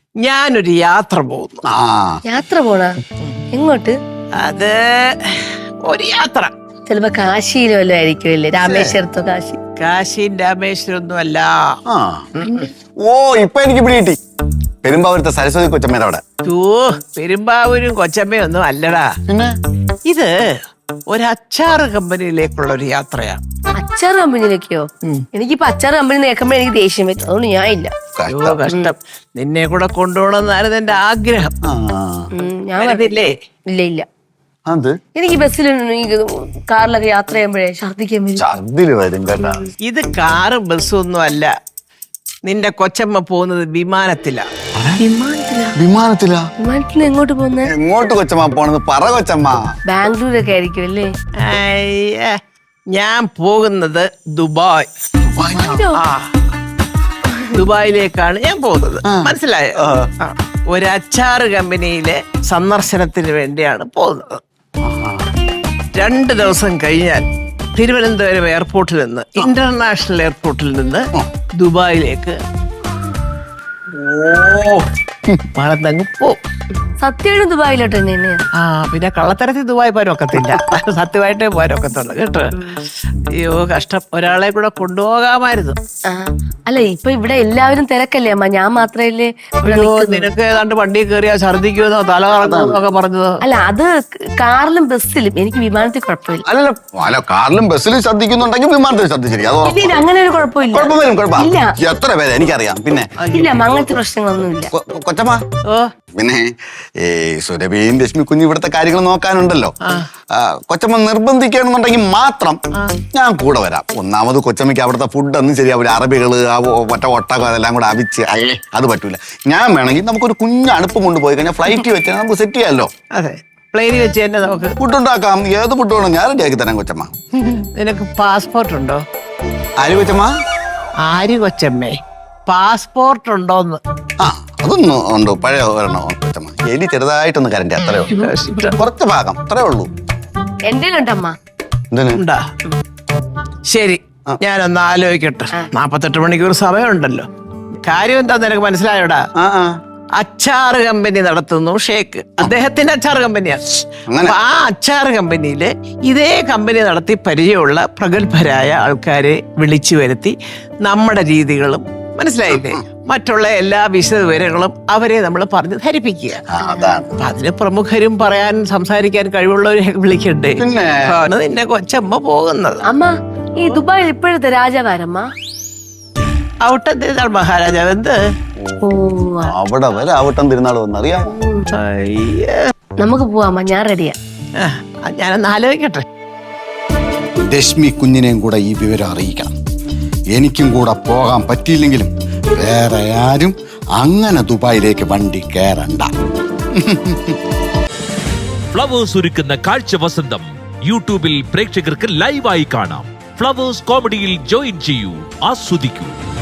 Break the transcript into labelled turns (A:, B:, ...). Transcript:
A: ഞാനൊരു യാത്ര പോകുന്നു.
B: യാത്ര പോണ എങ്ങോട്ട്?
A: അത് ഒരു യാത്ര
B: ചിലപ്പോ കാശിയിലോ വല്ലതും ആയിരിക്കുമല്ലേ? രാമേശ്വരത്തോ കാശി?
A: കാശിയും രാമേശ്വരം ഒന്നും അല്ല.
C: ഓ ഇപ്പൊ എനിക്ക് പിടി കിട്ടി. പെരുമ്പാവൂരത്തെ സരസ്വതി കൊച്ചമ്മയുടെ അവിടെ.
A: പെരുമ്പാവൂരും കൊച്ചമ്മയും ഒന്നും അല്ലടാ. ഇത് ഒരു അച്ചാറ് കമ്പനിയിലേക്കുള്ള ഒരു യാത്രയാണ്.
B: അച്ചാർ കമ്പനിയിലേക്കോ? എനിക്കിപ്പോ അച്ചാർ കമ്പനി കേൾക്കുമ്പോ എനിക്ക് ദേഷ്യം വരും. അതുകൊണ്ട് ഞാൻ ഇല്ല.
A: കഷ്ടം. നിന്നെ കൂടെ കൊണ്ടുപോകണമെന്നായിരുന്നു എന്റെ ആഗ്രഹം.
B: ഞാൻ
A: പറഞ്ഞില്ലേ?
B: ഇല്ല ഇല്ല. എനിക്ക് ബസ്സിൽ കാറിലൊക്കെ യാത്ര ചെയ്യുമ്പോഴേ ഛർദിക്കാൻ വരും.
A: ഇത് കാറും ബസ്സും ഒന്നും അല്ല. നിന്റെ കൊച്ചമ്മ പോകുന്നത് വിമാനത്തിലാ.
B: വിമാനത്തിൽ എങ്ങോട്ട് പോകുന്നത്?
C: എങ്ങോട്ട് കൊച്ചമ്മ പോണത്? പറ കൊച്ചമ്മ.
B: ബാംഗ്ലൂരൊക്കെ ആയിരിക്കും അല്ലേ?
A: ഞാൻ പോകുന്നത് ദുബായ്. ദുബായിലേക്കാണ് ഞാൻ പോകുന്നത്. മനസ്സിലായോ? ഒരു അച്ചാറ് കമ്പനിയിലെ സന്ദർശനത്തിന് വേണ്ടിയാണ് പോകുന്നത്. 2 ദിവസം കഴിഞ്ഞാൽ തിരുവനന്തപുരം എയർപോർട്ടിൽ നിന്ന്, ഇന്റർനാഷണൽ എയർപോർട്ടിൽ നിന്ന് ദുബായിലേക്ക് പറന്നങ്ങ് പോവും.
B: സത്യമായിട്ട് ദുബായിലോട്ട് തന്നെ?
A: പിന്നെ കള്ളത്തരത്തിൽ ദുബായ് പോരൊക്കത്തില്ല. സത്യമായിട്ടേ പോരൊക്കത്തുള്ളു കേട്ടോ. അയ്യോ കഷ്ടം. ഒരാളെ കൂടെ കൊണ്ടുപോകാമായിരുന്നു.
B: അല്ല ഇപ്പൊ ഇവിടെ എല്ലാവരും തിരക്കല്ലേ അമ്മ? ഞാൻ മാത്രല്ലേ?
A: നിനക്ക് ഏതാണ്ട് വണ്ടി കയറിയാ ഛർദിക്കുമെന്നോ തല കറങ്ങുമെന്നൊക്കെ പറഞ്ഞത്.
B: അല്ല അത് കാറിലും ബസ്സിലും. എനിക്ക് വിമാനത്തിൽ കുഴപ്പമില്ല.
C: അല്ല കാറിലും ബസ്സിലും ശ്രദ്ധിക്കുന്നുണ്ടെങ്കിൽ വിമാനത്തിൽ ശ്രദ്ധിച്ചിരിക്കും.
B: അങ്ങനെ ഒരു കുഴപ്പമില്ല.
C: എത്ര പേര് എനിക്കറിയാം. പിന്നെ
B: ഇല്ല അങ്ങനത്തെ പ്രശ്നങ്ങളൊന്നുമില്ല.
C: കൊച്ചമ്മ പിന്നെ ഈ സുരഭിയും ലക്ഷ്മി കുഞ്ഞു ഇവിടുത്തെ കാര്യങ്ങൾ നോക്കാനുണ്ടല്ലോ. കൊച്ചമ്മ നിർബന്ധിക്കണമെന്നുണ്ടെങ്കിൽ മാത്രം ഞാൻ കൂടെ വരാം. ഒന്നാമത് കൊച്ചമ്മയ്ക്ക് അവിടുത്തെ ഫുഡൊന്നും ശരിയാവില്ല. അറബികള് ഒട്ടകം അതെല്ലാം കൂടെ അവിച്ച് അത് പറ്റൂല. ഞാൻ വേണമെങ്കിൽ നമുക്കൊരു കുഞ്ഞ് അടുപ്പ് കൊണ്ടുപോയി കഴിഞ്ഞാൽ ഫ്ലൈറ്റ് വെച്ചാൽ നമുക്ക് സെറ്റ് ചെയ്യാമല്ലോ.
A: അതെ പ്ലെയിനിൽ വെച്ച് തന്നെ നമുക്ക്
C: ഫുഡ് ഉണ്ടാക്കാം. ഏത് ഫുഡ് വേണം ഞാൻ റെഡിയാക്കി തരാം കൊച്ചമ്മ.
A: നിനക്ക് പാസ്പോർട്ട് ഉണ്ടോ?
C: ആര് കൊച്ചമ്മ?
A: ആര് കൊച്ചമ്മേ? പാസ്പോർട്ട് ഉണ്ടോന്ന്?
C: അതൊന്നും ഉണ്ടോ? പഴയ ഒരെണ്ണോ കൊച്ചമ്മ? എലി ചെറുതായിട്ടൊന്ന് കരണ്ടേ, അത്രയോ കുറച്ച് ഭാഗം അത്രേ ഉള്ളൂ.
A: ഉണ്ടാ? ശരി ഞാനൊന്ന് ആലോചിക്കട്ടെ. 48 മണിക്കൂർ സമയമുണ്ടല്ലോ. കാര്യം എന്താ നിനക്ക് മനസ്സിലായോടാ? അച്ചാറ് കമ്പനി നടത്തുന്നു ഷേക്ക്. അദ്ദേഹത്തിന്റെ അച്ചാറ് കമ്പനിയാണ്. അപ്പൊ ആ അച്ചാറ് കമ്പനിയില് ഇതേ കമ്പനി നടത്തി പരിചയമുള്ള പ്രഗത്ഭരായ ആൾക്കാരെ വിളിച്ചു വരുത്തി നമ്മുടെ രീതികളും മനസ്സിലായില്ലേ മറ്റുള്ള എല്ലാ വിശദവിവരങ്ങളും അവരെ നമ്മൾ പറഞ്ഞ് ധരിപ്പിക്കുക. അപ്പൊ അതിന് പ്രമുഖരും പറയാൻ സംസാരിക്കാൻ കഴിവുള്ളവരെ വിളിക്കണ്ടേ? ആണ് നിന്നെ കൊച്ചമ്മ പോകുന്നത്.
B: അമ്മ ഈ ദുബായിൽ ഇപ്പോഴത്തെ രാജാവാരമ്മ?
A: ഔട്ടം തിരുനാൾ മഹാരാജാവ്. എന്ത്
C: അവിടെ വരെ ഔട്ടം തിരുനാൾ വന്നറിയാം.
B: നമുക്ക് പോവാമ്മ, ഞാൻ റെഡിയാ.
A: ഞാനൊന്ന് ആലോചിക്കട്ടെ.
C: രശ്മി കുഞ്ഞിനെയും കൂടെ ഈ വിവരം അറിയിക്കണം. എനിക്കും കൂടെ പോകാൻ പറ്റിയില്ലെങ്കിലും വേറെ ആരും അങ്ങനെ ദുബായിലേക്ക് വണ്ടി കയറണ്ട.
D: ഫ്ലവേഴ്സ് ഒരുക്കുന്ന കാഴ്ച വസന്തം യൂട്യൂബിൽ പ്രേക്ഷകർക്ക് ലൈവായി കാണാം. ഫ്ലവേഴ്സ് കോമഡിയിൽ ജോയിൻ ചെയ്യൂ, ആസ്വദിക്കൂ.